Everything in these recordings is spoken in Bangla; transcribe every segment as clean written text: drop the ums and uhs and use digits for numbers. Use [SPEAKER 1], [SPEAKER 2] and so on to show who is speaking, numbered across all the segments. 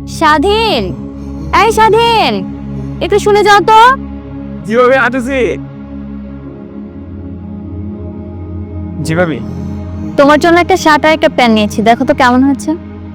[SPEAKER 1] স্বাধীন, এই স্বাধীন, একটু শুনে যাও তো।
[SPEAKER 2] কিভাবে হাঁটেছি? জি ভাবি।
[SPEAKER 1] তোমার জন্য একটা শার্ট আর একটা প্যান্ট নিয়েছি, দেখো তো কেমন হচ্ছে।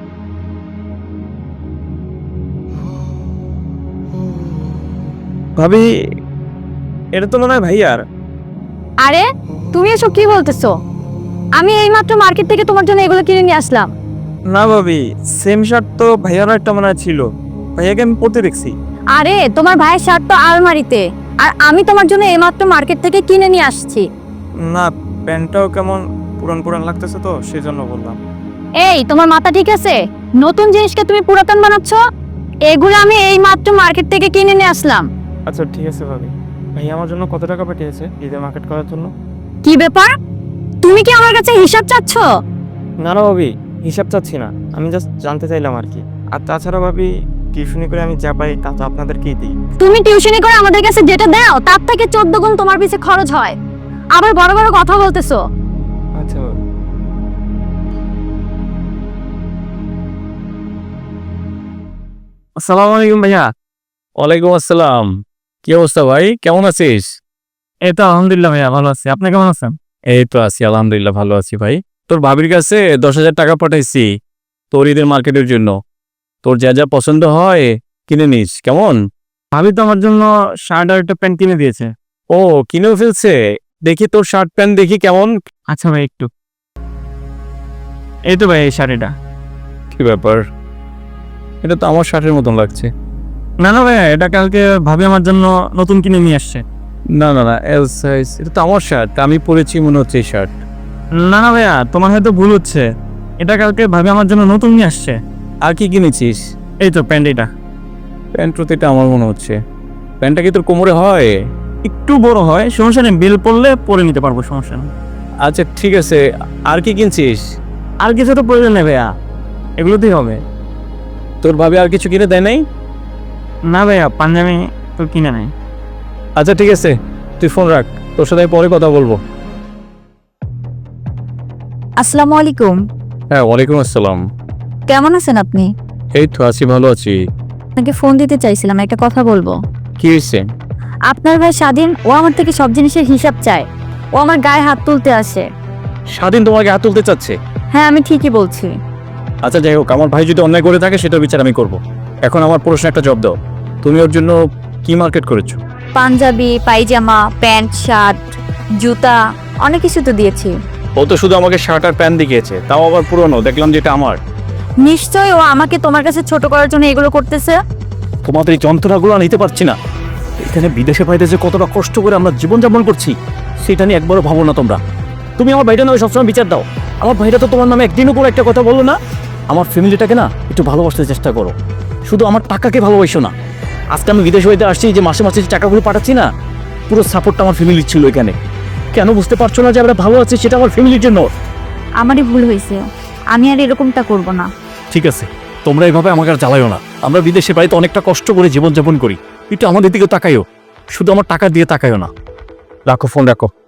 [SPEAKER 2] ভাবি, এটা তো মনে হয় ভাইয়ার।
[SPEAKER 1] আরে তুমি এসব কি বলতেছো? আমি এইমাত্র মার্কেট থেকে তোমার জন্য এগুলো কিনে নিয়ে আসলাম।
[SPEAKER 2] না ভাবি, সেম শার্ট তো ভাইয়ারও একটা মনে হয় ছিল, ভাইয়াকে আমি পরতে দেখছি।
[SPEAKER 1] আরে তোমার ভাইয়ের শার্ট তো আলমারিতে, আর আমি তোমার জন্য এইমাত্র মার্কেট থেকে কিনে নিয়ে আসছি।
[SPEAKER 2] না, প্যান্টটাও কেমন পুরান পুরান লাগতেছে তো সেই জন্য বললাম।
[SPEAKER 1] এই তোমার মাথা ঠিক আছে? নতুন জিনিসকে তুমি পুরাতন বানাচ্ছ। এগুলো আমি এইমাত্র মার্কেট থেকে কিনে নিয়ে আসলাম।
[SPEAKER 2] আচ্ছা ঠিক আছে ভাবি। ভাইয়া আমার জন্য কত টাকা পাঠিয়েছে ঈদে মার্কেট করার জন্য?
[SPEAKER 1] কি ব্যাপার, তুমি কি আমার কাছে হিসাব চাচ্ছ?
[SPEAKER 2] না না ভাবি, হিসাব চাচ্ছি না, আমি জাস্ট জানতে চাইলাম আর কি। আর তাছাড়া ভাবি, টিউশনি করে আমি যা পাই তা তো আপনাদেরকেই দিই।
[SPEAKER 1] তুমি টিউশনি করে আমাদের কাছে যেটা দাও তার থেকে 14 গুণ তোমার পিছে খরচ হয়, আবার বড় বড় কথা বলতেছো।
[SPEAKER 2] আচ্ছা ভাবি। আসসালামু আলাইকুম ভাইয়া।
[SPEAKER 3] ওয়ালাইকুম আসসালাম। কি অবস্থা ভাই, কেমন আছিস?
[SPEAKER 2] এই তো আলহামদুলিল্লাহ ভাইয়া, ভালো আছি। আপনি কেমন আছেন?
[SPEAKER 3] এই তো আছি, আলহামদুলিল্লাহ ভালো আছি ভাই। তোর ভাবির কাছে 10,000 টাকা পাঠাইছি তোর ঈদের মার্কেটের জন্য। তোর যা যা পছন্দ হয় কিনে নিস, কেমন?
[SPEAKER 2] ভাবি তো আমার জন্য শার্ট আর একটা প্যান্ট কিনে দিয়েছে।
[SPEAKER 3] ও, কিনেও ফেলছে? দেখি তোর শার্ট প্যান্ট দেখি কেমন।
[SPEAKER 2] আচ্ছা ভাই, একটু এই তো ভাই এই শাড়িটা।
[SPEAKER 3] কি ব্যাপার, এটা তো আমার শার্টের মতন লাগছে।
[SPEAKER 2] না না ভাইয়া, এটা কালকে ভাবি আমার জন্য নতুন কিনে নিয়ে আসছে।
[SPEAKER 3] না না না, এল সাইজ, এটা তো আমার শার্ট, আমি পরেছি মনে হচ্ছে এই শার্ট।
[SPEAKER 2] না না ভাইয়া, তোমার হয়তো ভুল হচ্ছে, এটা কালকে ভাবি আমার জন্য নতুন নিয়ে আসছে।
[SPEAKER 3] আর কি কিনেছিস?
[SPEAKER 2] এই তো প্যান্ট, এটা।
[SPEAKER 3] প্যান্ট তো এটা আমার মনে হচ্ছে। প্যান্টটা কি তোর কোমরে হয়?
[SPEAKER 2] একটু বড় হয়, সমস্যা নেই, বিল পড়লে পরে নিতে পারবো, সমস্যা নেই।
[SPEAKER 3] আচ্ছা ঠিক আছে, আর কি কিনছিস?
[SPEAKER 2] আর কিছু তো প্রয়োজন নেই ভাইয়া, এগুলোতেই হবে।
[SPEAKER 3] তোর ভাবি আর কিছু কিনে দেয় নাই?
[SPEAKER 2] না ভাইয়া, পাঞ্জাবি তো কিনে নাই।
[SPEAKER 3] আচ্ছা ঠিক আছে, তুই ফোন রাখ, তোর সাথে আমি পরে কথা বলবো।
[SPEAKER 1] আসসালামু আলাইকুম।
[SPEAKER 3] হ্যাঁ ওয়ালাইকুম আসসালাম।
[SPEAKER 1] কেমন আছেন আপনি?
[SPEAKER 3] এই তো আছি, ভালো আছি।
[SPEAKER 1] আপনাকে ফোন দিতে চাইছিলাম, একটা কথা বলবো।
[SPEAKER 3] কি হয়েছে?
[SPEAKER 1] আপনার ভাই স্বাধীন, ও আমার থেকে সব জিনিসের হিসাব চায়। ও আমার গায়ে হাত তুলতে আসে।
[SPEAKER 3] স্বাধীন তোমাকে হাত তুলতে চাচ্ছে?
[SPEAKER 1] হ্যাঁ, আমি ঠিকই বলছি।
[SPEAKER 3] আচ্ছা যাই হোক, আমার ভাই যদি অন্যায় করে থাকে সেটার বিচার আমি করব। এখন আমার প্রশ্ন একটা জবাব দাও, তুমি ওর জন্য কি মার্কেট করেছো?
[SPEAKER 1] পাঞ্জাবি, পায়জামা, প্যান্ট, শার্ট, জুতা, অনেক কিছু তো দিয়েছি।
[SPEAKER 3] ও তো শুধু আমাকে শার্ট আর প্যান্ট দেখিয়েছে, তাও আবার পুরনো, দেখলাম যেটা আমার।
[SPEAKER 1] নিশ্চয় ও আমাকে তোমার কাছে ছোট করার জন্য এগুলো করতেছে।
[SPEAKER 3] তোমাদের এই যন্ত্রণাগুলো নিতে পারছি না। এখানে বিদেশে বাইদেশে কতটা কষ্ট করে আমরা জীবনযাপন করছি সেটা নিয়ে একবারও ভাবো না তোমরা। তুমি আমার ভাইটা নামে সবসময় বিচার দাও। আমার ভাইটা তো তোমার নামে একদিনও করে একটা কথা বলো না। আমার ফ্যামিলিটাকে না একটু ভালোবাসতে চেষ্টা করো, শুধু আমার টাকাকে ভালোবাসো না। আজকে আমি বিদেশ হইতে আসছি, যে মাসে মাসে যে টাকাগুলো পাঠাচ্ছি না, পুরো সাপোর্টটা আমার ফ্যামিলির ছিল এখানে। কেন বুঝতে পারছো না যে আমরা ভালো আছি সেটা আমার ফ্যামিলির জন্য?
[SPEAKER 1] আমারই ভুল হয়েছে, আমি আর এরকমটা করব না।
[SPEAKER 3] ঠিক আছে, তোমরা এইভাবে আমাকে আর জ্বালাইও না। আমরা বিদেশে বাড়িতে অনেকটা কষ্ট করে জীবনযাপন করি, একটু আমাদের দিকে তাকাইও, শুধু আমার টাকা দিয়ে তাকাইও না। রাখো ফোন, রাখো।